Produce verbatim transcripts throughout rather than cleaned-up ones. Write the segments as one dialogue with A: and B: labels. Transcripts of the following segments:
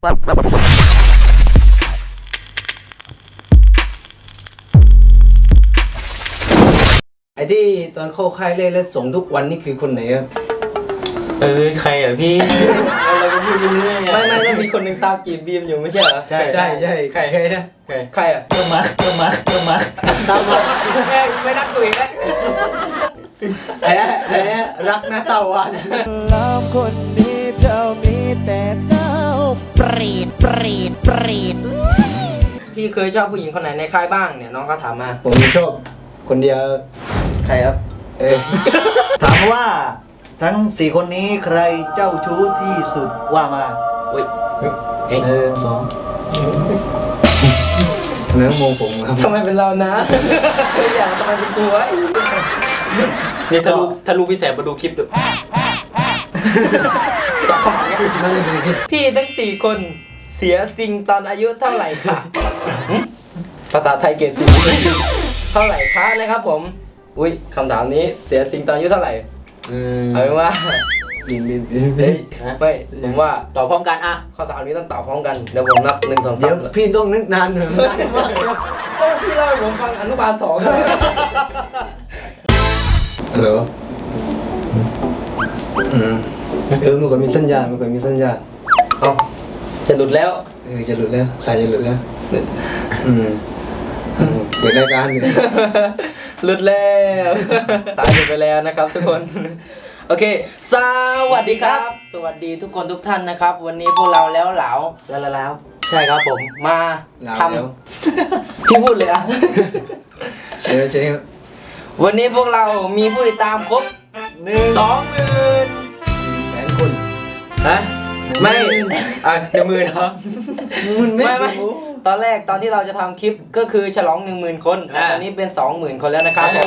A: ไอ้ที่ตอนเข้าค่ายเล่นแล้วส่งทุกวันนี่คือคนไหนครับ
B: เออใครอ่ะพี่เราก็พูดเรื่อยๆ
C: ไม่ไม่แล้วมีคนหนึ่งตามจีบบีมอยู่ไม่ใช่เหรอ
B: ใช่
A: ใช่ใช่ใครใครนะ
B: ใคร
C: ใครอ่ะ
B: ก็มาก็มาก็มา
C: ตามมาแม่ไม่นัดกูอีกแล้ว
A: ไอ้นะไอ้นะรักนะตะวัน
D: ลามคนนี้เจ้ามีแต่เต้าเปรีดเปรีดเปรีด
C: พี่เคยชอบผู้หญิงคนไหนในค่ายบ้างเนี่ยน้องก็ถามมา
A: ผมชอบคนเดียว
C: ใครครับ
A: เออ
E: ถามว่าทั้งสี่คนนี้ใครเจ้าชู้ที่สุดว่ามา
C: อุ้ย
E: หนึ่งสอง
A: เนื้อโมงผมครับ
C: ทำไมเป็นเรานะไม่อยากทำไมเป็นกูวะ
B: นี่ถ้าลูกถ้าลูกพี่แสบมาดูคลิปดู
C: จับขมับเนี่ย
A: นั่นคือที่
C: พี่ทั้งสี่คนเสียสิ่งตอนอายุเท่าไหร่ค่ะหึภาษาไทยเกรดสี่เท่าไหร่คะนะครับผมอุ้ยคำถามนี้เสียสิ่งตอนอายุเท่าไหร่
B: อืม
C: เอาเป็นว่า
A: ดินดินดิน
C: เฮ้ยไม่ผมว่า
B: ต่อพร้อมกันอ่ะ
C: ข้อถามนี้ต้องตอบพร้อมกันเดี๋ยวผมนับหนึ่งสอง
A: เดี๋
C: สา
A: ยว
C: ม
A: พี่ต้องนึกนานหน่อยนานมากเลย
C: ก็พี่เล่าให้ผมฟังอนุบาลสอง
A: ฮัลโหลอืมเออมันก็มีสัญญาณมันก็มีสัญญาณ
C: เอาจะหลุดแล้ว
A: เออจะหลุดแล้วสายจะหลุดแล้วอืมอืมเปิดรายการอยู่
C: หลุดแล้วตายหลุดไปแล้วนะครับทุกคน โอเค สวัสดีครับ สวัสดีทุกคนทุกท่านนะครับ วันนี้พวกเราแล้วเหลา
E: แล้วแล้วแล้ว
C: ใช่ครับผมมา
A: ลา
C: ท
A: แล้ว
C: ำพี่พูดเลยอะ
A: เชียวเชียว
C: วันนี้พวกเรามีผู้ติดตามครบ
E: หนึ่ง
C: สองหมื่น
A: แสนคน
B: ฮะไม่อ่ะเดี๋ยวมือเนาะ
A: มันไม่
C: ไม่ไม่ตอนแรกตอนที่เราจะทำคลิปก็คือฉลองหนึ่งหมื่นคนแต่
B: อ่า
C: ตอนนี้เป็นสองหมื่นคนแล้วนะครับผม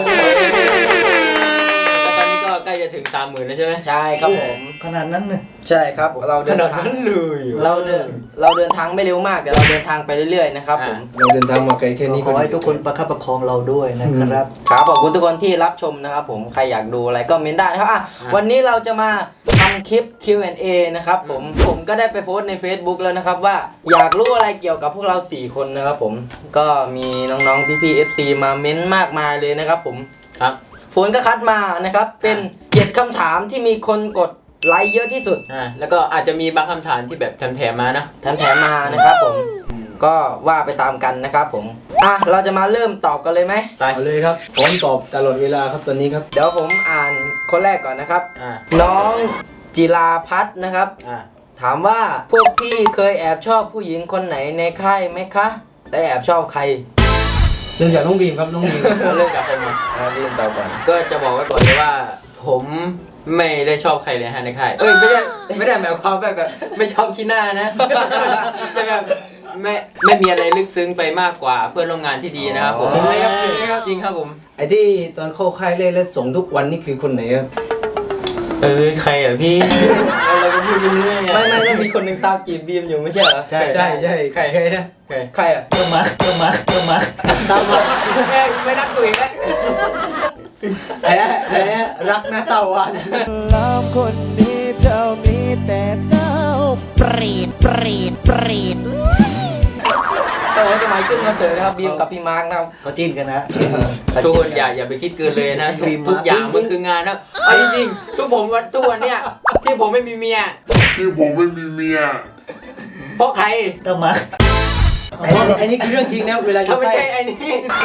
B: แล้วตอนนี้ก็ใกล้จะถึงสามหมื่นแล้วใช่ไหม
C: ใช่ครับผม
E: ขนาดนั้นเนี่ย
C: ใช่ครับเรา
B: ข
C: เดิน
B: นาด
C: ทาง
B: นั้นเลยเหรอ
C: เราเดินเราเดินทางไม่เร็วมากแต่เราเดินทางไปเรื่อยๆนะครับผม
A: เราเดินทางมาไกลแค่นี้
E: ขอให้ทุกคนประคับประคองเราด้วยนะครับ
C: ครับขอบคุณทุกคนที่รับชมนะครับผมใครอยากดูอะไรก็เมนได้นะครับอ่ะวันนี้เราจะมาทำคลิป คิว แอนด์ เอ นะครับผมผมก็ได้ไปโพสต์ใน Facebook แล้วนะครับว่าอยากรู้อะไรเกี่ยวกับพวกเราสี่คนนะครับผมก็มีน้องๆพี่ๆ เอฟ ซี มาเม้นมากมายเลยนะครับผม
B: ครับ
C: ฝนก็คัดมานะครับเป็นเจ็ดคำถามที่มีคนกดไลค์เยอะที่สุด
B: อ่าแล้วก็อาจจะมีบางคำถามที่แบบแถมๆมานะ
C: แถมๆมานะครับผมก็ว่าไปตามกันนะครับผมอ่ะเราจะมาเริ่มตอบกันเลยไหม
B: ไป
A: เอาเลยครับพร้อมตอบตลอดเวลาครับตอนนี้ครับ
C: เดี๋ยวผมอ่านคนแรกก่อนนะครับ
B: อ่า
C: น้องจิราพัฒน์นะครับ
B: อ่า
C: ถามว่าพวกพี่เคยแอบชอบผู้หญิงคนไหนในค่ายไหมคะและแอบชอบใคร
A: เริ่มจากน้องบีมครับน้องบีม
B: เริ่มจากผมอ่ะ
C: อ่ะพี่ตอบก่อน
B: ก็จะบอกไว้ก่อนเลยว่า ผมไม่ได้ชอบใครเลยฮะในค่ายเอ้ยไม่ได้ไม่ได้หมายความแบบแบบไม่ชอบขี้หน้านะแต่แบบไม่ไม่มีอะไรลึกซึ้งไปมากกว่าเพื่อนร่วมงานที่ดีนะครับผม
A: จริงไหมครับจริงไหมครับ
B: จริงครับผม
A: ไอ้ที่ตอนเข้าค่ายเล่นแล้วส่งทุกวันนี่คือคนไหนครับ
B: เออใครอ่ะพี่เราก็พูดเรื่อยๆ
C: ไม่ไม่แล้วมีคนหนึ่งตามจีบบีมอยู่ไม่ใช่เหรอ
E: ใช่
A: ใช่ใช่ใครใครนะ
B: ใคร
C: ใครอ่ะ
B: ก็มาก็มาก็มา
C: ตามมาแม่ไม่นัดกูอีกแล้ว
A: ไอ้นะไอ้นะรักนะตะวัน
D: ลามคนนี้เจ้ามีแต่เต้าเปรีดเปรีดเปรีด
C: ตอนนี้จะมาขึ้นคอนเสิร์ตนะครับบีมกับพี่มาร์กนะครับ
E: เขาจิ้นกันนะ
B: ทุกคนอย่าอย่าไปคิดเกินเลยนะ
E: ดีมาก
B: ทุกอย่างมันคืองานนะเอาจริงๆทุกผมวันทุกวันเนี่ยที่ผมไม่มีเมีย
F: ที่ผมไม่มีเมีย
B: เพราะใคร
E: ต้องมา
A: ไอ้นี่ไอ้นี่คือเรื่องจริงนะเวลาอยู่
B: ถ้าไม่
A: ค่า
B: ใช่
A: ย
B: ไอ้นี่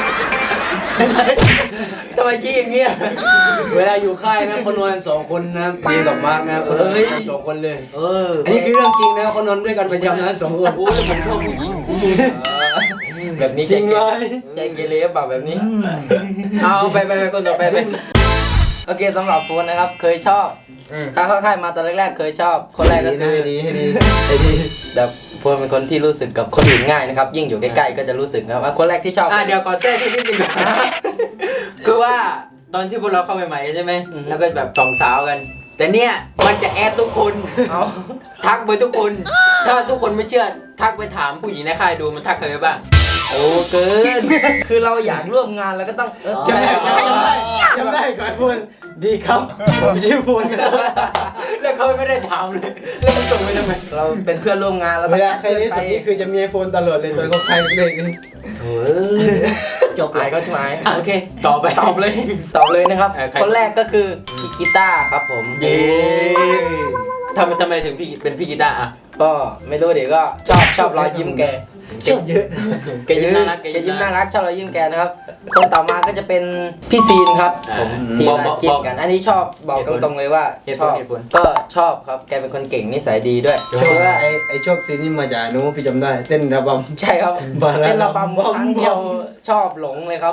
B: ทำไมชี้อย่างเงี้ย
A: เวลาอยู่ค่ายนะคนนอนสองคนนะบีมกับมาร์กนะคนนอนด้วยกันสองคนเลย
E: เออ
A: อันนี้คือเรื่องจริงนะคนนอนด้วยกันประจำนะสองคน
B: โอ้ยผมชอบผู้หญิง
C: แบบนี้
A: จริงเลย
C: ใจเกเรเปล่าแบบนี้
B: เอาไปไปไปคนต่อไปไป
C: โอเคสำหรับโฟนนะครับเคยชอบ
B: อืม
C: ถ้าเข้าค่ายมาตอนแรกๆเคยชอบ คนแรกก็
A: ดี
C: คื
A: นะ
C: อ
A: ให้ดีให้ดีให้ดี
C: แบบโฟนเป็นคนที่รู้สึกกับคนอื่นง่ายนะครับ ยิ่งอยู่ใกล้ๆก็จะรู้สึกนะครับอ่ะคนแรกที่ชอบ
B: อ่ะเดี๋ยวขอแทรกที่นิดนึงก่อนคือว่าตอนที่พวกเราเข้าใหม่ๆใช่ไหมแล้วก็แบบสองสาวกัน แต่เนี่ยมันจะแอดทุกคน
C: เอา
B: ทักไปทุกคน ถ้าทุกคนไม่เชื่อทักไปถามผู้หญิงในค่ายดูมันทักใครไปบ้าง
C: อโอ้เกิน คือเราอยากร่วมงานเราก็ต้องเออ
A: จำได้จำได้จำได้ก่อนพูดดีครับผมชื่อพูน
B: แล้วเขาไม่ได้ถามเลยแล้วมันส่งไปทำไม
C: เราเป็นเพื่อนร่วมงานเรา
A: เว
C: ต้อง
A: ลาใครที่สุดนี่คือจะมีไอโฟนตลอดเลยตัวก็ใครเลย
C: เออ
E: จบ
C: หาย
E: เลย
C: ก็ใช่ไหมโอเค
B: ต่อไป
C: ตอบเลย ตอบเลยนะครับ
B: เออใคร
C: คนแรกก็คือพี่กีตาร์ครับผม
B: เย้ทำไมทำไมถึงพี่เป็นพี่กีตาร์อ่ะ
C: ก็ไม่รู้เดี๋ยวก็ชอบชอบรอยยิ้มแก
A: ชอบเยอะ
B: แกยิ้มน่ารัก
C: แกยิ้มน่ารักชอบรอยยิ้มแกนะครับ คนต่อมาก็จะเป็นพี่ซีนครับผมที่มาจิ้นกัน อันนี้ชอบบอกตรงๆเลยว่า
B: เหตุ
C: ช
B: ผล
C: อบ
B: เหตุผล
C: ก็ชอบครับแกเป็นคนเก่งนิสัยดีด้วย
A: ชอบ
C: เพราะว่า
A: ไอไอชอบซีนนี่มาจากนู้พี่จำได้ เต้นระบำ
C: ใช่ครับ
A: บาลา
C: เต้นระบำ
A: บอม
C: ครั้งเดียวชอบหลงเลยครับ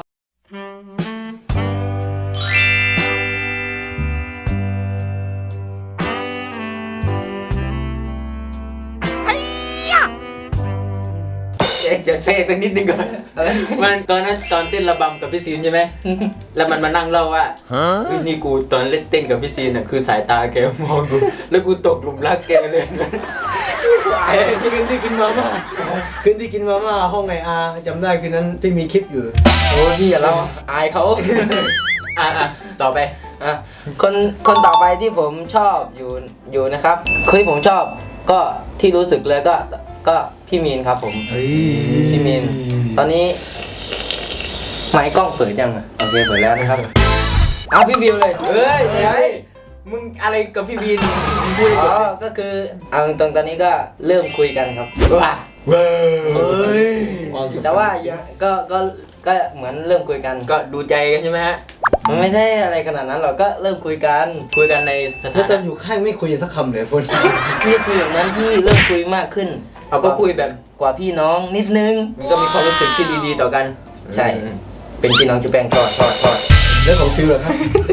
B: เอ๊ะจะเซ่สักนิดนึงก่อน
C: อะไร
B: มันตอนนั้นตอนเต้นระบำกับพี่ซีนใช่ไหม แล้วมันมานั่งเล่าว่าเฮ้ยนี่กูตอนเล่นเต้นกับพี่ซีนน่ะคือสายตาแกมองกู แล้วกูตกหลุมรักแกเลย
A: ไอ้ที่คืนที่กินมาม่าคืนที่กินมาม่าห้องไออาจำได้คืนนั้นพี่มีคลิปอยู่
C: โอ้พี่อย่าเราอายเขา
B: อ่ะอ่ะต่อไป
C: อ่ะคนคนต่อไปที่ผมชอบอยู่อยู่นะครับคนที่ผมชอบก็ที่รู้สึกเลยก็ก็พี่มีนครับผมพี่มีนตอนนี้ไมค์กล้องเปิดยังอ่ะโอเคเปิดแล้วนะครับเอาพี่วิวเลย
B: เฮ้ยเฮ้ยมึงอะไรกับพี่บีนมึงพูด
C: อ๋
B: ก่
C: อ
B: อน
C: ก็คือเอาตรงๆตอนนี้ก็เริ่มคุยกันครับ
B: ว่า
E: เฮ้ย
C: แต่ว่ายังก็ก็ก็เหมือนเริ่มคุยกัน
B: ก็ดูใจกันใช่ไหมฮะ
C: มันไม่ใช่อะไรขนาดนั้นหรอกก็เริ่มคุยกัน
B: คุยกันในส
A: แล้ว
B: ถา
A: ตอน
B: นะ
A: อยู่ข้างไม่คุยสักคำเลยพูน
C: พี่คุยอย่างนั้นพี่เริ่มคุยมากขึ้น
B: เอาก็คุยแบบ
C: กว่าพี่น้องนิดนึง
B: มันก็มีความรู้สึกที่ดีๆต่อกัน
C: ใช่ เป็นพี่น้องจุแปงทอดทอดทอด
A: แล้วของฟิลเหรอครับ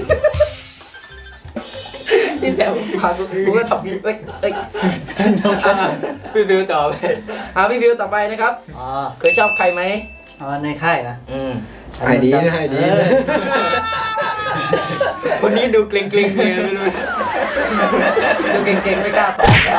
C: พี่แซวพากูก็ทำเอ้ยเอ้ย
B: อ่ะพี่ฟิวต่อไป
C: เอาพี่วิวต่อไปนะครับ
E: อ๋อ
C: เคยชอบใครไหม
E: เอาในค่ายนะ
C: อืม
A: ไอดีนะไอดีนะ
B: คนนี้ดูเกรงๆเลยไม่รู้
C: ดูเก่งๆไม่กล้าตอบครับ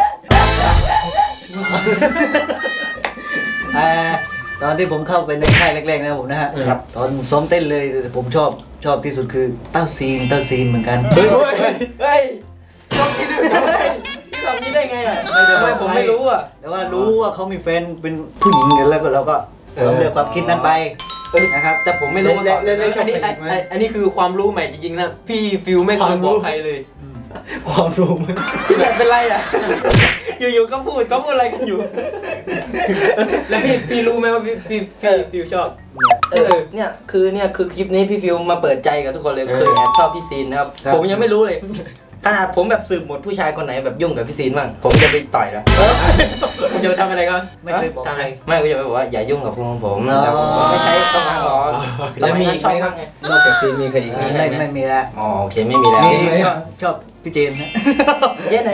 E: เอ่อตอนที่ผมเข้าไปในค่ายแรกๆนะผมนะฮะ
C: ครับ
E: ตอนซ้อมเต้นเลยผมชอบชอบที่สุดคือเต้าซีนเต้าซีนเหมือนกัน
B: เฮ้ยเฮ้ยเฮ้ยชอบกินด้วย
C: พี่ทำนี้ได้ไงอ่ะ
E: ไม่ได้
C: ทำไมผมไม่รู้อ่ะ
E: แต่ว่ารู้ว่าเขามีแฟนเป็นผู้หญิงกันแล้วก็เราก็เราเลือกความคิดนั้นไปนะครับ
C: แต่ผมไม่รู้มาก่อน
A: เล่นเล่น
B: อันนี้อันอันอันนี้คือความรู้ใหม่จริงๆนะ พี่ฟิวไม่เคยบอกใครเลย
A: ความรู้มัน
C: พี่แบบเป็นไรอ่ะ
B: อยู่ๆก็พูดก็พูดอะไรกันอยู่ แล้วพี่พี่รู้ไหมว่าพี่พี่พี่ฟิวชอบ
C: เออเนี่ยคือเนี่ยคือคลิปนี้พี่ฟิวมาเปิดใจกับทุกคนเลยเคยแอบชอบพี่ซีนนะครับ
E: ครับ
C: ผมยังไม่รู้เลย ขนาดผมแบบสืบหมดผู้ชายคนไหนแบบยุ่งกับพี่ซีนบ้างผมจะไปต่อยแล้ว
B: คุณจะทำอะไรกัน
E: ไม่เคยบอก
B: ทำอะ
E: ใค
B: ไร
E: ร
C: ไม่ก็จะไปบอกว่าอย่ายุ่งกับพวกของผม
E: อ๋อ
C: แต่ผมก็ไม่ใช้กำลังหรอก
A: แล้วมีอีก
C: ช
A: ไห
C: อ
A: ม
C: บ
A: ครั
C: มา
A: บ
C: กไง
A: นอกจากซีมีใครอีกไหม
E: ไม่ไม่มีแล้ว
C: อ๋อโอเคไม่มีแล้ว
E: มี
A: ไหม
E: ก็ชอบพี่เจนนะ
C: เย้ไหน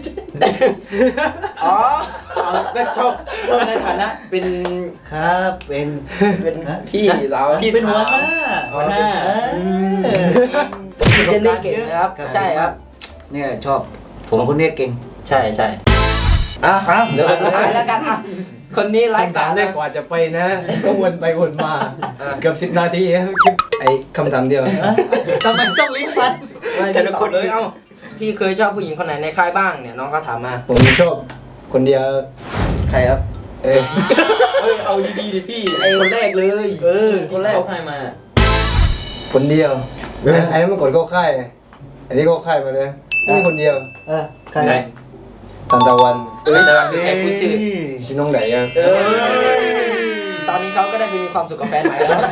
C: อ๋อ
B: เอาก็ชอบชอบในฐานะเป็น
E: ครับเป็น
C: เป็น
E: ฮะ
C: พี่เรา
E: พี่เป็นหัวหน้า
B: หัวหน้า
E: เออ
C: พี่เจนนี่เก่งนะครับใช่ครับ
E: เนี่ยชอบ
C: ผม
E: สองคนเนี้เก่ง
C: ใช่ใช่อ่ะครับเดี๋ยวคนสุดท้ายแล้วกันอ่ะคนนี้ไลฟ์
A: คำถามแรกกว่าจะไปนะ ก็วนไปวนมาเกือบสิบนาทีคลิปไอ้คำถามเดียว
E: ทำไมต้องลิ้นฟัน
C: แต่ละคนเลยเอ้าพี่เคยชอบผู้หญิงคนไหนในค่ายบ้างเนี่ยน้องเขาถามมา
A: ผมชอบคนเดียว
C: ใครครับ
A: เออ
B: เฮ้ยเอาดีๆดิพี่ไอ้คนแรกเลย
C: เออคนแรก
B: เขาให้มา
A: คนเดียวไอ้นั้นเมื่อก่อนก็ค่ายอันนี้ก็ค่ายมาเลยนี่คนเดียว
E: เออใคร
B: ไหน
A: ตันตะวัน
B: เออแต่ว่าคือใครพูดชื่อ
A: ชิน้องไหนอ่ะ
C: เออตอนนี้เขาก็ได้ไปมีความสุขกับแฟนใหม่แล้ว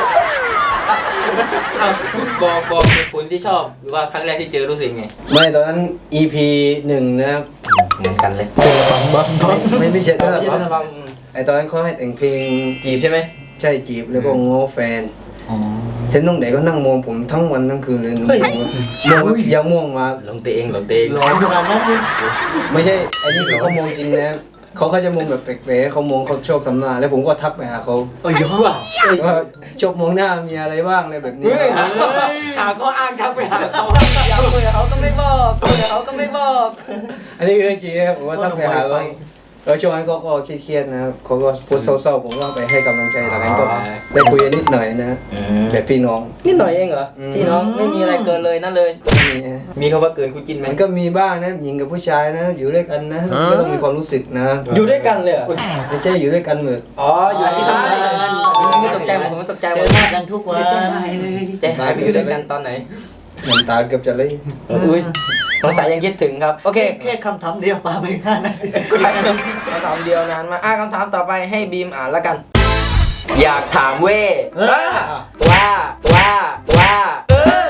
B: เอาบอกบอกเหตุผลที่ชอบหรือว่าครั้งแรกที่เจอรู้สึกไง
A: ไม่ตอนนั้น อี พี หนึ่งนะครับ
C: เหมือนกันเลย
A: ไม่ไม่ใช่
C: เอ
A: ตั้ง
C: อ
A: แต่
C: ที่
A: ปั๊
C: จะ
A: ม
C: ฟัง
A: ไอตอนนั้นเขาให้แต่งเพลง
B: จีบใช่ไหม
A: ใช่จีบแล้วก็ง้อแฟน
E: อ๋อ
A: เทนน้องไหนก็นั่งมองผมทั้งวันทั้งคืนเลย
C: เฮ้ย
A: มองอย่ามองมา
C: ลงตัวเองลงตัวเอง
E: หล่อขนาดนั้นเลย
A: ไม่ใช่ไอ้นี่คือเขามองจริงนะเขาเขาจะมองแบบแปลกๆเขามองเขาชอบทำหน้าแล้วผมก็ทักไปหาเขา
E: โอ้ยยอด
A: ว่าชอบมองหน้ามีอะไรบ้างอะไรแบบนี้
B: เฮ้ยหาหาข้ออ้างทักไปหาเขา
C: อยากคุยกับเขาก็ไม่บอกคุยกับเขาก็ไม่บอก
A: อันนี้คือเรื่องจริงนะผมว่าทักไปหาเขาเออช่วงนั้นก็ก็เครียดๆนะครับเขาก็พูดเศร้าๆผมก็ไปให้กำลังใจหลังนั้นก็ได้คุยกันนิดหน่อยนะแบบพี่น้อง
C: นิดหน่อยเองเหรอ
A: อืม
C: พี่น้องไม่มีอะไรเกินเลยนั่นเลย
A: มีนะ
B: มีคำว่าเกินคู่จิ้นไหม
A: มันก็มีบ้างนะหญิงกับผู้ชายนะ อยู่ด้วยกันนะก็ต้องมีความรู้สึกนะ
C: อยู่ด้วยกันเลยเหรอ
A: ไม่ใช่อยู่ด้วยกันเหมือน
C: อ๋ออยู่ที่ทำงานไม่ตกใจผมไม่ตกใจหม
E: เจ
C: ด
E: อหน้ากันทุกวัน
C: ใจหายไปอยู่ด้วยกันตอนไหน
A: น้ำตาเกือบจะไหล
C: อุ้ยสงสัยยังคิดถึงครับโอเค
E: แค่คำถามเดียวปาไปห้านาที
C: คำถามเดียวนานมาอ่ะคำถามต่อไปให้บีมอ่านแล้วกัน
B: อยากถามเว้
E: เออ
B: ว่าว่าว่าเออ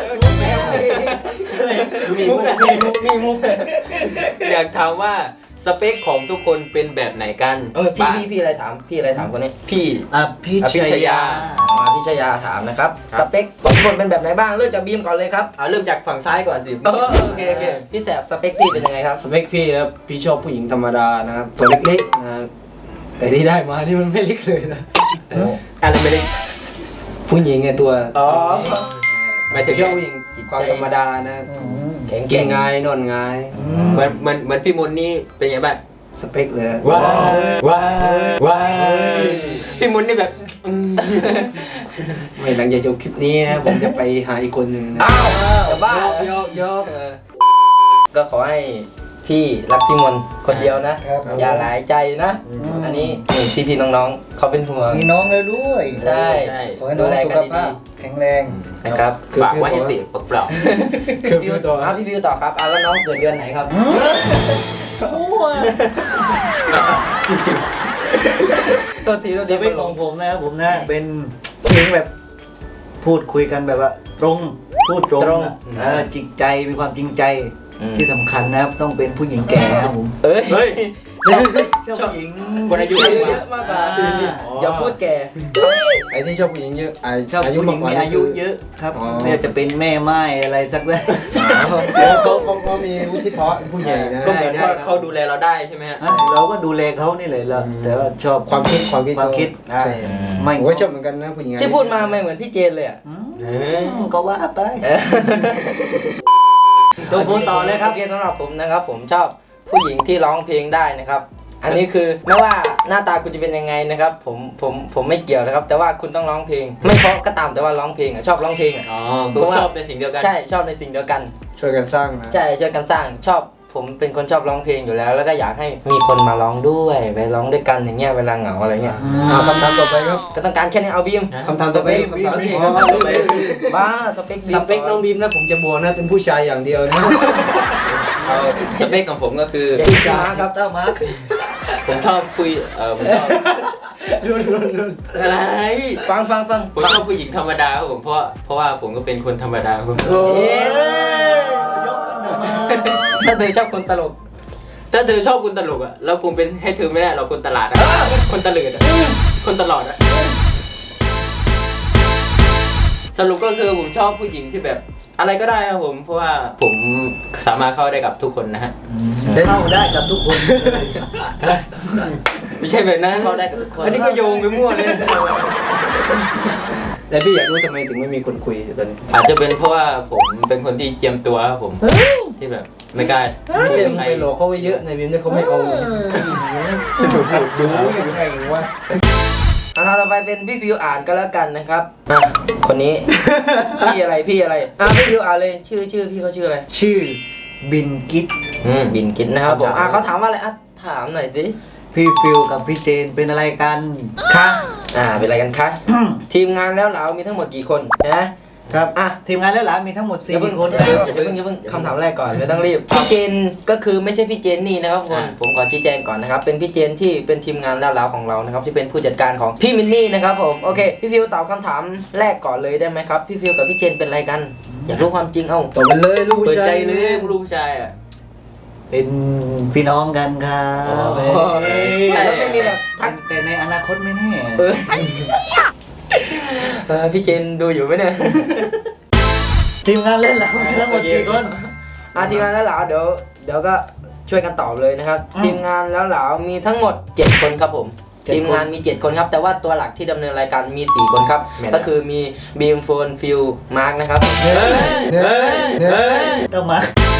E: มีมุกมีมุกมีมุก
B: อยากถามว่าสเปคของทุกคนเป็นแบบไหนกัน
C: เออพี่
B: บ้าง
C: พี่พี่อะไรถามพี่อะไรถามคนนี้
B: พี่
E: อ่ะพี่
B: อภิช
E: ช
B: ยา
E: ยา
C: อ๋อพี่ชยาถามนะครับ
B: ครับ
C: สเปคของทุกคนเป็นแบบไหนบ้างเริ่มจากบีมก่อนเลยครับ
B: เอาเริ่มจากฝั่งซ้ายก่อนสิ
C: เออโอเคโอเคพี่แสบสเปคพี่เป็นยังไงครับ
A: สเปคพี่นะครับพี่ชอบผู้หญิงธรรมดานะครับตัวเล็กๆนะครับแต่ที่ได้มานี่มันไม่เล็กเลยนะ
B: อะไรไม่ได้
A: ผู้หญิงไงตัว
C: อ๋อ
B: หมายถึง
A: ชอบผู้หญิงความธรรมดานะ
C: แข็ง
A: กิ
C: เก่
A: น
C: ง
A: ง่ายนอนง่าย
B: เหมือนเหมือนเหมือนพี่มนต์นี่เป็นไงบ้าง
A: สเปคเลย
B: ว้าวว้าวว้าวพี่มนต์นี่แบบอืม
A: ไม่หลังจากจบคลิปนี้นะผมจะไปหาอีกคนหนึ่งนะ
C: อ้าวจะบ้า
A: โยกโยก
C: เออก็ขอให้พี่รักพี่มนต์คนเดียวนะ
E: ครับ
C: อย่าหลายใจนะ อันนี้พี่พี่ๆน้องๆเขาเป็นห่วง
E: มีน้องแล้วด้วย
C: ใช่
B: ใช่
E: ขอให้น้องสุขภาพแข็งแรง
C: นะครับ
B: ฝากไว้ให้เสียเปล่า
A: คือพี่ตัว
C: อ่ะพี่ฟิวต่อครับอ่ะแล้วน้องเกิดเดือนไหนครับ ตัวทีตัว
E: ส
C: ที
E: เปคของผมนะครับผมนะเป็นเพลงแบบพูดคุยกันแบบว่า ตรงพูดตรงนะเออจริงใจมีความจริงใจที่สำคัญนะครับต้องเป็นผู้หญิงแก่นะครับผม
C: เอ้ย
B: ๆเฮ้ย
E: ชอบชอบผู้หญิง
B: คนอายุ
C: อายุ
B: เย
C: เย
B: อะ
C: อะมากกว่า
A: สี่สิบ
C: อย่าพูดแก่
A: ไอ้ที่ชอบผู้หญิงเยอะไอ้
E: ชอบ
A: อายุ
E: ผู้ห
A: มา
E: ญิ
A: ก
E: ง
A: กว่า
E: มี
A: นี่
E: อายุ
A: คือ
E: เยอะครับ
A: อ๋อ
E: ไม่ว่าจะเป็นแม่ไม้อะไรสักเรื่อง
A: เขาเขาเขาเขามีวุฒิภาวะเป็นผู้ใหญ่นะ
B: ก็เหมือนว่าเขาดูแลเราได้ใช่ไหมฮะ
E: อ่ะเราก็ดูแลเขานี่เลยเราแต่ว่าชอบ
A: ความคิดความคิด
E: ความคิด
A: ใช่
E: ไม่
A: ผมก็ชอบเหมือนกันนะผู้หญิง
C: ที่พูดมาไม่เหมือนพี่เจนเลยอ่ะ
E: อืม
B: เออ
E: ก็ว่าไป
C: เออ
E: ตัวผมต่อเลยครับ
C: โอเคสำหรับผมนะครับ ผมชอบผู้หญิงที่ร้องเพลงได้นะครับ อันนี้คือไม่ว่าหน้าตาคุณจะเป็นยังไงนะครับ ผมผมผมไม่เกี่ยวนะครับ แต่ว่าคุณต้องร้องเพลง ไม่เพราะก็ตามแต่ว่าร้องเพลงอ่ะชอบร้องเพลงอ่ะ
B: อ๋อผมชอบในสิ่งเดียวกัน
C: ใช่ชอบในสิ่งเดียวกัน
A: ช่วยกันสร้างนะ
C: ใช่ช่วยกันสร้างชอบผมเป็นคนชอบร้องเพลงอยู่แล้ว แล้วก็อยากให้มีคนมาร้องด้วยไปร้องด้วยกันอย่างเงี้ยเวลาเหงาอะไรเงี้ย
A: เอาคำถามต่อไปครับ
C: ก็ต้องการแค่นี้เอาบีม
A: คำถามต่อไปคำถาม
E: บีม
A: อ๋อ
C: บ้าสเปคบีม
A: สเปคน้องบีมนะผมจะบอกนะเป็นผู้ชายอย่างเดียวนะ
B: เอาสเปคของผมก็คือ
C: อย่าคิดช้าครับ
E: เต้ามาร์ค
B: ผมชอบคุยเออผมชอบ
A: รุนรุนรุน
B: อะไร
C: ฟังฟังฟัง
B: ผมชอบผู้หญิงธรรมดาครับผมเพราะเพราะว่าผมก็เป็นคนธรรมดาครับผม
A: โอ้
C: เอ๊ะ
E: ยกกันมา
C: ถ้าเธอชอบคนตลก
B: ถ้าเธอชอบคนตลกอ่ะเราคงเป็นให้เธอไม่ได้เราคนตลาดอะคนตะเลิดอะคนตลอดอะสรุปก็คือผมชอบผู้หญิงที่แบบอะไรก็ได้ครับผมเพราะว่าผมสามารถเข้าได้กับทุกคนนะฮะ
E: เข้าได้กับทุกคน
B: ไม่ใช่แบบนั้น
C: เข้าได้กับทุกคน
B: อันนี้ก็โยงไปมั่วเลย
A: แต่พี่อยากรู้ทำไมถึงไม่มีคนคุยตอนนี้
B: อาจจะเป็นเพราะว่าผมเป็นคนที่เจียมตัวครับผมที่แบบไม่กล้า
A: ไม่ใช่
B: ใคร
A: ไปหลอกเขาไว้เยอะในบีมเนี่ยเขาไม่เอาเลย
E: ดูดูยังไงวะ
C: อ่ะต่อไปเป็นพี่ฟิวอ่านก็แล้วกันนะครับอ่ะคนนี้ พี่อะไรพี่อะไรอ่ะพี่ฟิวอ่านเลยชื่อชื่อพี่เขาชื่ออะไร
E: ชื่อบินกิต
B: อืม
C: บินกินนะครับผมอ่ะเขาถามว่าอะไรอ่ะถามหน่อยสิ
E: พี่ฟิลกับพี่เจนเป็นอะไรกันคะ
C: อ่าเป็นอะไรกันคะทีมงานแล้วเรามีทั้งหมดกี่คนนะครับ
E: อ่ะทีมงานแล้วหลานมีทั้งหมด
C: อ
E: สี่
C: ย่าเพิ่ง
E: คน
C: อย่าเพิ่งอย่าเพิ่งคำถามแรกก่อนไม่ต้องรีบพี่เจนก็คือไม่ใช่พี่เจนนี่นะครับผมผมขอชี้แจงก่อนนะครับเป็นพี่เจนที่เป็นทีมงานแล้วเราของเรานะครับที่เป็นผู้จัดการของพี่มินนี่นะครับผมโอเคพี่ฟิวตอบคำถามแรกก่อนเลยได้ไหมครับพี่ฟิวกับพี่เจนเป็นอะไรกัน อยากรู้ความจริงเอ้า
A: ตอบมันเลยลูก
B: เปิ
A: ผู้
B: ด
A: ชา
B: ใจ
A: ย
B: เลยลูกผู้ชายอ่ะ
E: เป็นพี่น้องกันครับ
C: แล้วไม่มีแบบทัก
E: แต่ในอนาคตไม่แน่
C: เออเออพี่เจนดูอยู่ไหมเนี่ย
E: ทีมงานเล่นแล้วมีทั้งหมดกี่คน
C: อ่ะทีมงานแล้วเหลาเดี๋ยวเดี๋ยวก็ช่วยกันตอบเลยนะครับ
E: อืม
C: ทีมงานแล้วเหลามีทั้งหมดเจ็ดคนครับผม
E: เจ็ดคน
C: ทีมงานมีเจ็ดคนครับแต่ว่าตัวหลักที่ดำเนินรายการมีสี่คนครับก็คือมีบีมโฟนฟิลมาร์กนะครับ
A: เฮ้ยเฮ้ยเฮ้ย
E: เต้ามาร์ค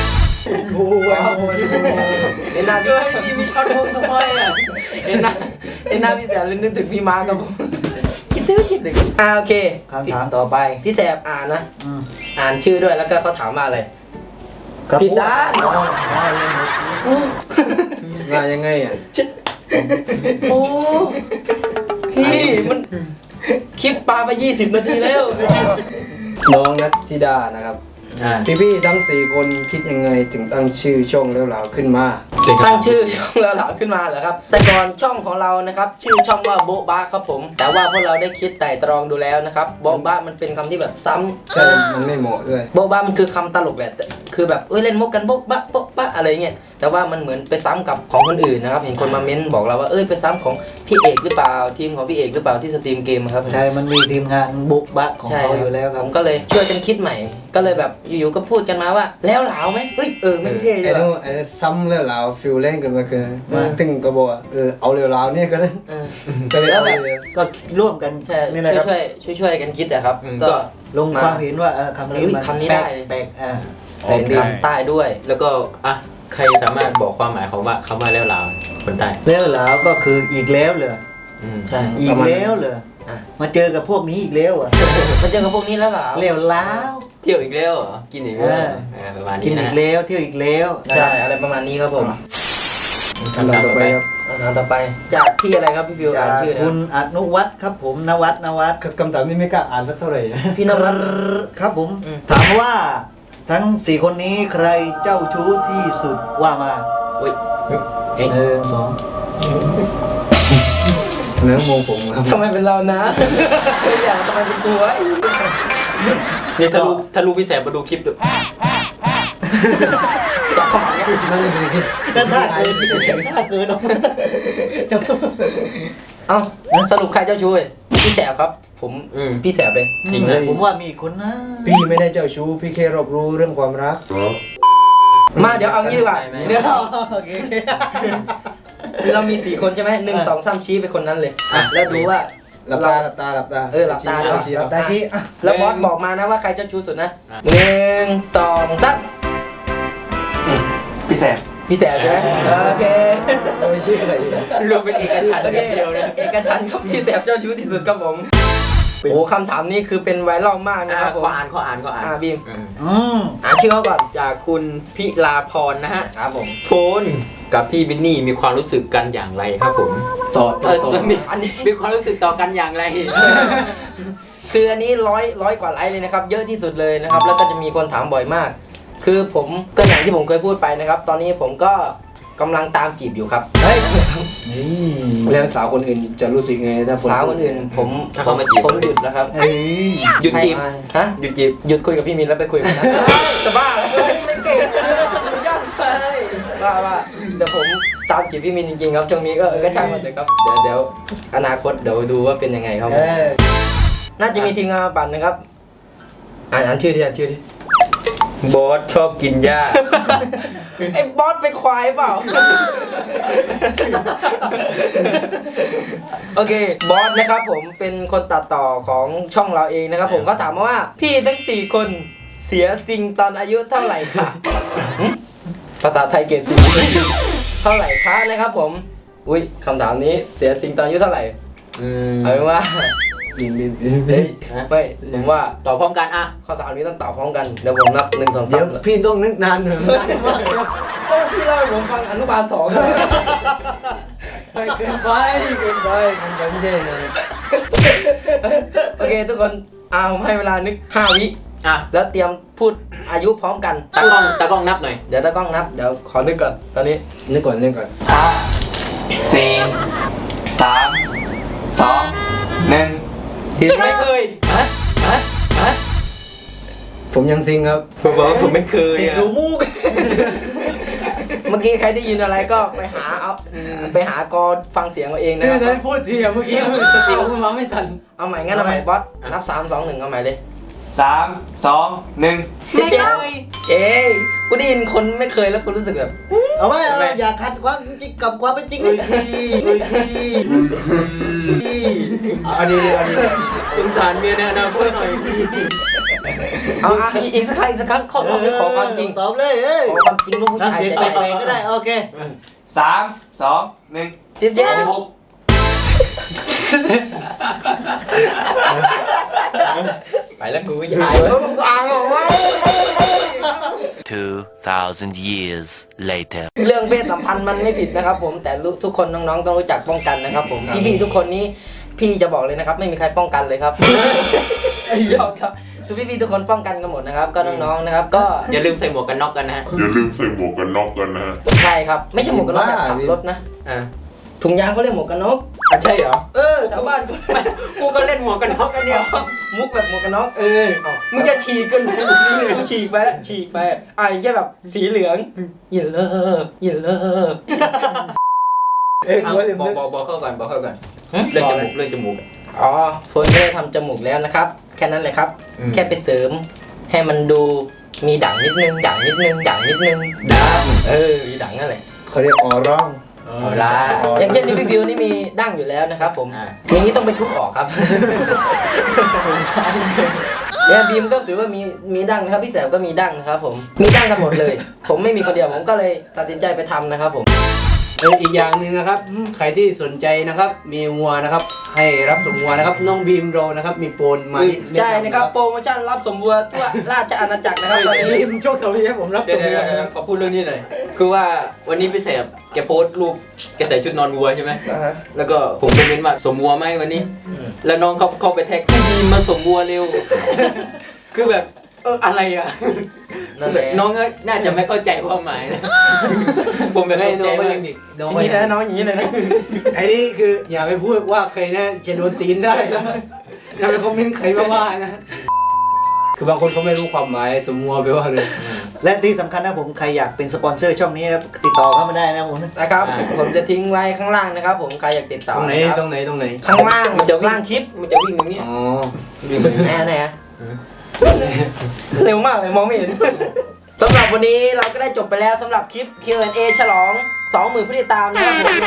A: โอ้ย
C: เห็นหน้าพี่
B: เฮ้ยมีมีท่อนฮุกทำไมอ่ะ
C: เห็นหน้าเห็นหน้าพี่แสบเลยนึกถึงพี่มาร์คครับผมคิดถึงคิดถึงอ่าโอเค
E: คำถามต่อไป
C: พี่แสบอ่านนะ
E: อืม
C: อ่านชื่อด้วยแล้วก็เขาถามว่าอะไร
E: กระ
C: ผิด
E: ปุก
C: ด้าน
E: อ๋ออ๋อเล่นมุก
A: มายังไงอ่ะ
C: โอ้พี่มันคลิปปลาไปยี่สิบนาทีแล้ว
A: น้องนัทธิดานะครับ
B: อ่า
A: พี่ๆทั้งสี่คนคิดยังไงถึงตั้งชื่อช่องแล้วเหลาขึ้นมา
C: ตั้งชื่อช่องเราเหลาขึ้นมาเหรอครับ แต่ก่อนช่องของเรานะครับ ชื่อช่องว่าโบ๊ะบ้าครับผม แต่ว่าพวกเราได้คิดไต่ตรองดูแล้วนะครับโบ๊ะบ้ามันเป็นคำที่แบบซ้ำ
A: ใช่มันไม่เหมาะด้วย
C: โบ๊ะบ้ามันคือคำตลกแหละแต่คือแบบเอ้ยเล่นมุกกันโบ๊ะบ้าโบ๊ะบ้าอะไรเงี้ยแต่ว่ามันเหมือนไปซ้ำกับของคนอื่นนะครับเห็นคนมาเม้นบอกเราว่าเอ้ยไปซ้ำของพี่เอกหรือเปล่าทีมของพี่เอกหรือเปล่าที่สตรีมเกมอะครับ
E: ใช่ มันมีทีมงานบุกบะของเขาอยู่แล้วค
C: ผ
E: รับ
C: มก็เลยช่วยกันคิดใหม่ ก็เลยแบบอยู่ๆก็พูดกันมาว่า แล้วเหลาไหมเฮ้ยเออไม่เท่เล
A: ไอ้
C: ย
A: นู่น
C: ว่ะ
A: ไอ้ซ้ำแล้วเหลาฟิลเล่นกันมาคือ
E: มา
A: ถึงก็บอกว่าเออเอาเร็วเหลาเนี่ยก็ได้
C: เออ
A: ก็เลย
C: แล้ว
A: เอา
C: แบบ
A: เลย
E: ก็ร่วมกัน
C: ใช่
E: นี่แหละครับ
C: ช่วยช่วยช่วยๆกันคิดอะครับ
B: อืม
C: ก็
B: ก็
E: ลงความเห็นว่าเออคำนี้
C: อุ๊ย
E: มัน
C: คำนี้
E: แปล
C: ได้
E: กแปลกอ่า
C: ออกคำใต้ด้วย
B: แล้วก็อ่ะใครสามารถบอกความหมายของว่าคำว่าแล้วลาวคนใต้
E: แล้วแล้วก็คืออีกแล้วเหรอ
B: อืม
C: ใช่
E: อีกแล้วเหรอ
C: อ่ะ
E: มาเจอกับพวกนี้อีกแล้วอ่ะ
C: มาเจอกับพวกนี้แล้วเหรอ
E: แล้วแล้ว
B: เที่ยวอีกแล้วเหรอกินอีกแล้ว
E: เออ
B: เออประมาณ
E: กิ
B: นี้
E: น
B: นะ
E: อีกแล้วเที่ยวอีกแล้ว
C: ใช่อะไรประมาณนี้ครับผม
A: คำถามต่อไปครับ
C: คำถามต่อไปจากที่อะไรครับพี่ฟิว
E: จา
C: อ่าน
E: ก
C: ชื่อนะค
E: คุ
C: รับ
E: ณอนุวัฒน์ครับผมนวัฒน์นวัฒน์
A: คำถามนี้ไม่กล้าอ่านสักเท่าไหร่นะ
C: พี่นวัด
E: ครับผม
C: อืม
E: ถามว่าทั้งสี่คนนี้ใครเจ้าชู้ที่สุดว่ามา
C: อุ้ยเฮ้ย
E: หนึ่งสอง
A: เนื้อมงผมครับ
C: ทำไมเป็นเรานะไม่อยากทำไมเป็นตัวไอ้
B: นี่ถ้ารู้ถ้ารู้พี่แสบมาดูคลิปดู
C: จับเข้ามาเนี่ย
A: นั่นคือที่
E: ก็ถ้าเกินถ้าเกินออกมา
C: เอ้าสรุปใครเจ้าชู้เว้ยพี่แสบครับ ผม
B: อืม
C: พี่แสบเลย
B: จริงนะ
E: ผมว่ามีอีกคนนะ
A: พี่ไม่ได้เจ้าชู้พี่แค่รอบรู้เรื่องความรัก
C: มาเดี๋ยวเอางี้ดีกว่า
B: ไม่ไม่
C: เดี๋ยว
E: โอเค
C: เรามีสี่คนใช่ไหมหนึ่งสองสามชี้ไปคนนั้นเลย
B: อ่ะ
C: แล้วดูว่า
A: หลับตาหลับตาหลับตา
C: เออหลับตาด้วย
A: ชี้
E: หลับตาชี้อ่ะ
C: แล้วบอสบอกมานะว่าใครเจ้าชู้สุดนะหนึ่งสองสาม
B: พี่แสบ
C: พี่แสบใช่ไหมโอเค
A: เอาไม่ชื่ออะไรอีก
B: รวมเป็นเอกฉันท์
C: โอเค
B: เดียวเลย
C: เอกชันท์ครับพี่แสบเจ้าชู้ที่สุดครับผมโอ้คำถามนี้คือเป็นไวรัลมากนะ
B: อ่ะ
C: ครับผม
B: ขออ่านขออ่านขออ่าน
C: อ่ะบีม
B: อืม
E: อืม
C: อ่านชื่อเขาก่อน
B: จากคุณพิลาพรนะฮะ
C: ครับผม
B: โฟนกับพี่วินนี่มีความรู้สึกกันอย่างไรครับผม
A: ต่อ
B: เอ
A: ต่อ
B: อ
A: ต่อ
B: มี
C: อันนี้
B: มีความรู้สึกต่อกันอย่างไร
C: คืออันนี้ร้อยร้อยกว่าไลค์เลยนะครับ เยอะที่สุดเลยนะครับ แล้วก็จะมีคนถามบ่อยมาก คือผมก็อย่างที่ผมเคยพูดไปนะครับ ตอนนี้ผมก็กำลังตามจีบอยู่ครับ
E: เฮ้ย
A: แล้วสาวคนอื่นจะรู้สึกไงถ้าฝ
C: สาวคนอื่นผม
B: ถ้าเขามาจีบ
C: ผมหยุดแล้วครับ
E: เฮ้ย
B: หยุดจีบ
C: ฮะ
B: หยุดจีบ
C: หยุดคุยกับพี่มินแล้วไปคุยกับคนนั้นจะบ้าเหรอไม่เก่งเลยยอดเลยบ้าบ้าแต่ผมตามจีบพี่มินจริงๆครับช่วงนี้ก็เออก็ช่างมันเถอะครับเดี๋ยวเดี๋ยวอนาคตเดี๋ยวดูว่าเป็นยังไงครับ
E: เออ
C: น่าจะมีทีมงานมาปั่นนะครับอ่านอ่านชื่อดิอ่านชื่อดิ
B: บอสชอบกินหญ้า
C: ไอ้บอสเป็นควายเปล่า โอเคบอสนะครับผมเป็นคนตัดต่อของช่องเราเองนะครับผมก็ถามมาว่าพี่ทั้งสี่คนเสียสิ่งตอนอายุเท่าไหร่ค่ะหึภาษาไทยเกรดสี่เท่าไหร่คะนะครับผมอุ้ยคำถามนี้เสียสิ่งตอนอายุเท่าไหร่
B: อืม
C: เอาเป็นว่า
A: บินบินบิน
C: เฮ้ยไม่ผมว่า
B: ต่อพร้อมกันอ่ะ
C: ข้อถามนี้ต้องตอบพร้อมกันเดี๋ยวผมนับหนึ่งสอง
A: เดี๋
C: สา
A: ยว
C: ม
A: พี่ต้องนึกนานหน่อยนานมากเลย
C: โอ้พี่เล่าให้ผมฟังอนุบาลสองเลย
A: ไม่เกินไปเกินไปเกินไปไม่ใช่นะ
C: โอเคทุกคนอ่าผมให้เวลานึกห้าวิ
B: อ่ะ
C: แล้วเตรียมพูดอายุพร้อมกัน
B: ตากล้องตากล้องนับหน่อย
C: เดี๋ยวตากล้องนับ เดี๋ยวขอนึกก่อน ตอนนี้
A: นึกก่อนนึกก่อน
G: ห้าสี่สามสองหนึ่ง
C: สี่
B: ไม่เคยฮะฮะฮะ
A: ผมยังซิงครับ
B: ผมบอกว่าผมไม่เคย
E: เสียง
B: อ่ะ
E: ดูมูก
C: เมื่อกี้ใครได้ยินอะไรก็ไปหาเอาไปหากอฟังเสียงเอาเองนะ
A: ไม่
C: ค
A: ได้
C: รับ
A: พูดทีอะเมื่อกี้สติผมมาไม่ทัน
C: เอาใหม่งั้นเอาใหม่บอส นับสามสองหนึ่งเอาใหม่เลย
G: สามสองหนึ่ง
C: สิบเจ็ดเอ้ยกูได้ยินคนไม่เคยแล้วกูรู้สึกแบบ
E: เอาไว้เอาไว้อย่าขัดความจริงกับความเป็นจริงเลย
A: เอาดีๆเอาดี
B: สงสารเมียในอนาคตหน่อย
C: เอาอ่ะอีกอีกสักครั้งอีกสักครั้งขอขอขอความจริง
E: ตอบเลยเอ้ย
C: ขอความจริงลูกผู้ชาย
E: ทำเสียง
C: ใจ
E: แปล
C: ได้
E: กๆก็ได้โอเค
G: สามสองหนึ่ง
C: สิบเจ็ด
G: สิบหก
C: ไปแล้วกูยายแล้วมึงอ่างออกมา
H: Two thousand years later.
C: เรื่องเพศสัมพันธ์มันไม่ผิดนะครับผมแต่รู้ทุกคนน้องๆต้องรู้จักป้องกันนะครับผมพี่ๆทุกคนนี้พี่จะบอกเลยนะครับ ไม่มีใครป้องกันเลยครับยอกครับคือพี่ๆทุกคนป้องกันกันหมดนะครับก็น้องๆนะครับก็
B: อย่าลืมใส่หมวกกันน็อกกันนะฮะ
F: อย่าลืมใส่หมวกกันน็อกกันนะฮะ
C: ใช่ครับไม่ใช่หมวกกันน็อกแบบขับรถนะ
B: อ่า
C: ถุงยางเขาเรียกหมวกกันน็อก
B: อ่ะใช่เหรอ
C: เออแถวบ้าน
B: กูก็เล่นหมวกกันน็อกกันเนี่ย
C: มุกแบบหมวกกันน็อก
B: เออมึงจะฉีกกันไหม
C: ฉีกไปแล้วฉีกไปอ่ะอย่างเช่นแบบสีเหลืองอย่าเลิกอย่าเลิก
A: เอ้ย
B: เอา
A: กูลืม
B: บอก
A: นึก
B: บอกบอกเข้าก่อนบอกเข้าก่อน
C: ฮะ
B: เรื่องจมูกเรื่องจมูก
C: อ๋อโฟนไม่ได้ทำจมูกแล้วนะครับ แค่นั้นเลยครับ
B: อืม
C: แค่ไปเสริม ให้มันดูมีด่างนิดนึงด่างนิดนึงด่างนิดนึง
B: ดัง
C: เออมีด่างนั่นแหละ
A: เขาเรียกออร่อง
B: เอาละ
C: อย่างเช่นนี่พี่วิวนี่มีด่างอยู่แล้วนะครับผม
B: อ่า
C: อย่างนี้ต้องไปทุบออกครับเนี่ยบีมก็ถือว่ามีมีดั้งนะครับพี่แสบก็มีดั้งนะครับผมมีดั้งกันหมดเลย ผมไม่มีคนเดียวผมก็เลยตัดสินใจไปทำนะครับผม
A: เอออีกอย่างหนึ่งนะครับ ใครที่สนใจนะครับ มีวัวนะครับ ให้รับสมวัวนะครับ น้องบีมโรนะครับ มีโปนมาที่
C: ใช่นะครับโปรโมชั่นรับสมบัวทั่วราชอาณาจักรนะครับตอนนี้
A: บีมโชคดีให้ผมรับ
B: เดี๋
A: ส
B: ยว
A: ม
B: เดี๋ยว
A: วัว
B: เดี๋ยว
A: นะครับ
B: ขอพูดเรื่องนี้หน่อยคือว่าวันนี้พี่แสบแกโพสต์รูปแกใส่ชุดนอนวัวใช่ไหมแล้วก็ผมคอมเมนต์ว่าสมวัวไหมวันนี้ แล้วน้องเขาเข้าไปแท็กพี่บีมมาสมวัวเร็ว คือแบบเอออะไรอ่ะ
C: นั่นแหละ
B: น้องก็น่าจะไม่เข้าใจความหมายนะ ผมแบบ
A: ไม่
B: ตก
A: น้
B: ใจ
A: องก็
B: มา
A: ยัง
B: ก
A: เด็กน้อง
C: อย่าง
A: ก็
C: นี้
A: ยัง
C: นะน้องอย่างนี้เลยนะ
A: ไอ้นี่คืออย่าไปพูดว่าใครนะจะโดนตีนได้นะอย่าไปคอมเมนต์ใครมาว่านะ คือบางคนเขาไม่รู้ความหมายสมมัวไปว่าเลย
E: และที่สำคัญนะผมใครอยากเป็นสปอนเซอร์ช่องนี้นะครับติดต่อเข้ามาได้นะผม
C: นะครับผมจะทิ้งไว้ข้างล่างนะครับ ผมใครอยากติดต่อ
A: ตรงไหน
C: นะค
A: ต
C: รั
A: ร
C: บ
A: งไหนตรงไหน
C: ข้างล่าง
B: มันจะวิ่ง
C: ล่างคลิป
B: มันจะวิ่งตรงเนี้ย
A: อ๋อ
C: แน่แน่เร็วมากเลยมองไม่เห็น สำหรับวันนี้เราก็ได้จบไปแล้วสำหรับคลิป คิว แอนด์ เอ ฉลอง สองหมื่น ผู้ติดตามนะครับผม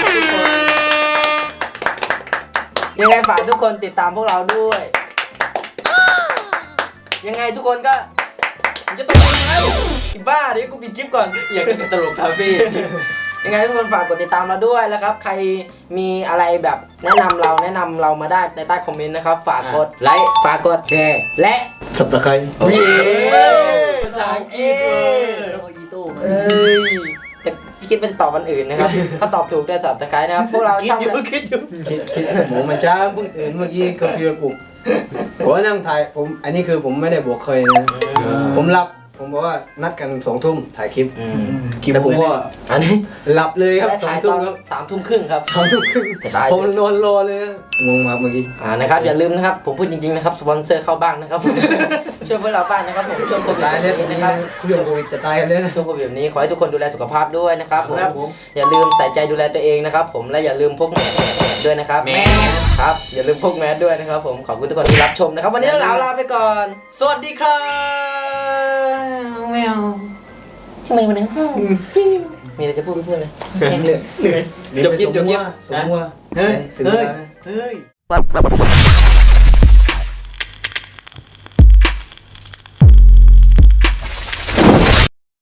C: ยังไงฝากทุกคนติดตามพวกเราด้วย ยังไงทุกคนก็ผมจะตกใจแล้วอีบ้าเดี๋ยวกูปิดคลิปก่อน
B: อยากจะตลกคาเฟ่
C: ยังไงทุกคนฝากกดติดตามเราด้วยแล้วครับ ใครมีอะไรแบบแนะนำเราแนะนำเรามาได้ในใต้คอมเมนต์นะครับ ฝากกดไลค์ฝากกดแชร์และ
A: สับตะไคร้
C: เย้
B: ภาษาอังกฤษเว้ย
E: แล้วก็อีโต้มา
C: เอ้ยแต่คิดเป็นตอบวันอื่นนะครับ ถ้าตอบถูกได้สับตะไคร้นะครับพวกเรา
E: คิด
C: ช่อง
E: อยู่คิดอยู่
A: คิดคิดสมองมันช้าเพิ่งตื่นเมื่อกี้กาแฟปลุกผมว่านั่งถ่ายผมอันนี้คือผมไม่ได้บอกเคยนะ ผมหลับผมบอกว่านัดกันสองทุ่มถ่ายคลิป
C: อืม
A: แต่ผมก็
C: อันนี้
A: หลับเลยครับ
C: และ
A: สอง
C: ถ่ายต
A: ทุ่
C: อ
A: ม
C: น
A: ครับ
C: สามทุ่มครึ่งครับ
A: สองทุ่มครึ่ง
C: จะตาย
A: ผมนอนรอเลยครับงงมากเมื่อกี้
C: อ่านะครับอย่าลืมนะครับผมพูดจริงๆนะครับสปอนเซอร์เข้าบ้างนะครับ ช่วยพวกเราบ้างนะครับผมช่วงโควิด
A: ตาย
C: แบบ
A: เลย
C: นี้นะครับ
A: เรื่องโควิดจะตายกันเลยนะ
C: ช่วงโควิดแบบนี้ขอให้ทุกคนดูแลสุขภาพด้วยนะครับผม
E: ครับผม
C: อย่าลืมใส่ใจดูแลตัวเองนะครับผมและอย่าลืมพกแมสด้วยนะครับ
B: แมส
C: ครับอย่าลืมพกแมสด้วยนะครับผมขอบคุณทุกคนที่รับชมนะครับวันนี้เราลาไปก่อน
B: สวัสดีครับแมว
C: ที่มันวันนี้มีอะไรจะพูดก็พูดเลย
B: เหนื่อยเหนื่อยจบคลิปจบคลิป
A: สมมัว
E: เฮ้ย
A: ถึง
E: เฮ้
A: เวย ลานะ
E: เฮ้ย